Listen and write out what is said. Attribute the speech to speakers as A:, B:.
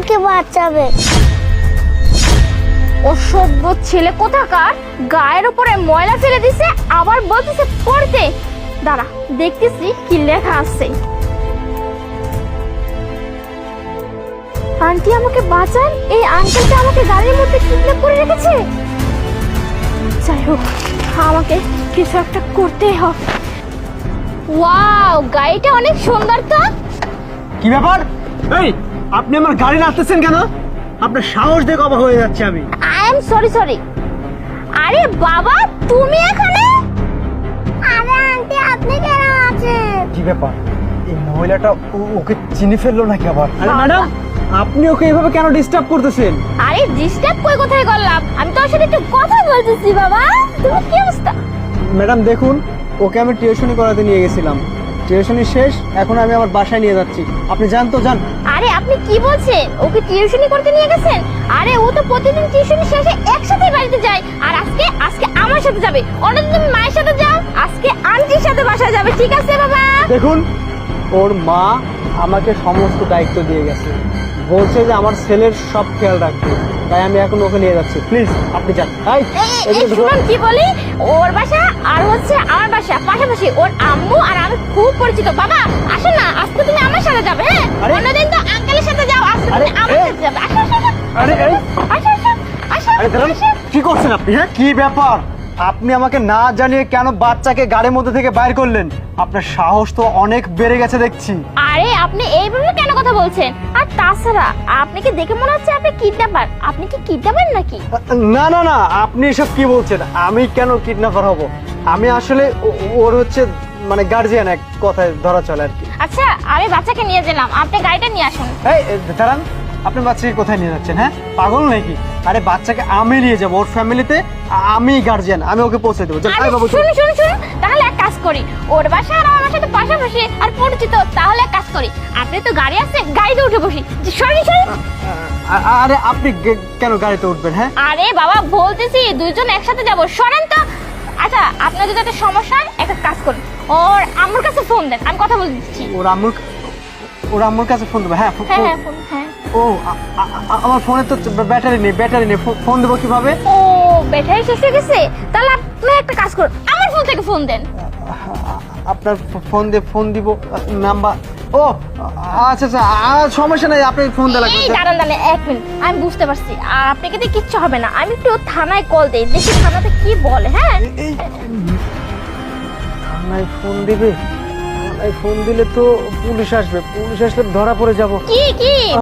A: আমাকে বাঁচাবে।
B: অসভ্য ছেলে কোথাকার, গায়ের উপরে ময়লা ফেলে দিছে আবার বলতেছে পড়তে। দাঁড়া দেখতেছি কি লেখা আছে। আন্টি আমাকে বাঁচান, এই আঙ্কেলটা আমাকে গাড়ির মধ্যে কিডন্যাপ করে রেখেছে। যাই হোক, আমাকে কিছু একটা করতেই হবে। ওয়াও, গাড়িটা অনেক সুন্দর তো।
C: কি ব্যাপার? এই, আপনি আমার গাড়ি নাড়তেছেন কেন? আপনার সাহস দেখে অবাক হয়ে যাচ্ছে আমি।
B: I am sorry. আরে বাবা, তুমি এখানে?
A: আরে আন্টি, আপনি কেন আছেন?
C: কি ব্যাপার? এই মহিলাটা ওকে চিনে ফেললো নাকি আবার? আরে ম্যাডাম, আপনি ওকে এভাবে কেন ডিস্টার্ব করতেছেন?
B: আরে ডিস্টার্ব কই কোথায় করলাম? আমি তোর সাথে একটু কথা বলতেছি। বাবা, তুমি কি অবস্থা?
C: ম্যাডাম দেখুন, ওকে আমি টিউশনি করাতে নিয়ে গেছিলাম। টিউশনি শেষ, এখন আমি আমার বাসায় নিয়ে যাচ্ছি। আপনি যান তো, যান।
B: আরে আপনি কি বলছেন? ওকে টিউশনি করতে নিয়ে গেছেন? আরে ও তো প্রতিদিন টিউশনি শেষে একসাথে বাড়িতে যায়। আর আজকে আমার সাথে যাবে। অন্যদিন তুমি মায়ের সাথে যাও, আজকে আন্টির সাথে বাসায় যাবে। ঠিক আছে বাবা?
C: দেখুন, ওর মা আমাকে সমস্ত দায়িত্ব দিয়ে গেছে, বলছে যে আমার ছেলের সব খেয়াল রাখতে, তাই আমি এখন ওকে নিয়ে যাচ্ছি। প্লিজ আপনি যান।
B: এই শুনুন কি বলি, ওর বাসা আর হচ্ছে আমার বাসা পাশাপাশি। ওর আম্মু আর আমি খুব পরিচিত। বাবা আসো না, আজকে তুমি আমার সাথে যাবে। হ্যাঁ,
C: আরে,
B: অন্যদিন তো আঙ্কেলের সাথে যাও, আজকে
C: আরে,
B: তুমি আমার সাথে যাবে। আসো আসো আসো।
C: আরে, এই,
B: আসো আসো আসো
C: আরে দাঁড়ান,
B: আসো।
C: কি করছেন আপনি? হ্যাঁ, কি ব্যাপার? আপনি আমাকে না জানিয়ে কেন বাচ্চাকে গাড়ির মধ্যে থেকে বাইর করলেন? আপনার সাহস তো অনেক বেড়ে গেছে দেখছি।
B: আরে আপনি এইভাবে কেন কথা বলছেন? আর তাছাড়া আপনি কি দেখে মনে হচ্ছে আপনি কিডন্যাপার? আপনি কি কিডন্যাপার নাকি?
C: না না না, আপনি এসব কি বলছেন? আমি কেন কিডন্যাপার হব? আমি আসলে ওর হচ্ছে মানে গার্জিয়ান, এক কথায় ধরা চলে আর কি।
B: আচ্ছা, আমি বাচ্চাকে নিয়ে গেলাম, আপনি গাড়িটা নিয়ে আসুন।
C: এই দাঁড়ান, আপনি বাচ্চাকে কোথায় নিয়ে যাচ্ছেন? হ্যাঁ, পাগল নাকি? আরে বাচ্চাকে আমি নিয়ে যাবো ওর ফ্যামিলিতে, আমি গার্জিয়ান, আমি ওকে পৌঁছে দেবো।
B: আরে শুনুন, তাহলে এক কাজ করি, ওর বাসা আর আমার সাথে পাশাপাশি আর পরিচিত। তাহলে এক কাজ করি, আপনি তো গাড়ি আছে, গাড়িতে উঠে বসি। সরি।
C: আরে আপনি কেন গাড়িতে উঠবেন? হ্যাঁ,
B: আরে বাবা বলতেছি দুইজন একসাথে যাব, সরেন তো। আচ্ছা, আপনার যদি একটা সমস্যা হয় একটা কাজ করুন, ওর আম্মুর কাছে ফোন দেন, আমি কথা বলে দিচ্ছি।
C: ওর আম্মুর কাছে ফোন দেবো? হ্যাঁ
B: ফোন, হ্যাঁ।
C: ও, আমার ফোনে তো ব্যাটারি নেই, ফোন দেবো কিভাবে?
B: ও, ব্যাটারি শেষ হয়ে গেছে? তাহলে আপনি একটা কাজ করুন, আমার ফোন থেকে ফোন দেন।
C: আপনার ফোন দিব নাম্বার? ও আচ্ছা, সমস্যা নাই, আপনি ফোন দেওয়া
B: এই
C: লাগবে।
B: দাঁড়ান, এক মিনিট, আমি বুঝতে পারছি আপনাকে দিয়ে কিচ্ছু হবে না। আমি একটু থানায় কল দেই, দেখি থানাতে কি বলে। হ্যাঁ,
C: থানায় ফোন দিবে? থানায় ফোন দিলে তো পুলিশ আসবে, পুলিশ আসলে ধরা পড়ে যাব।
B: কি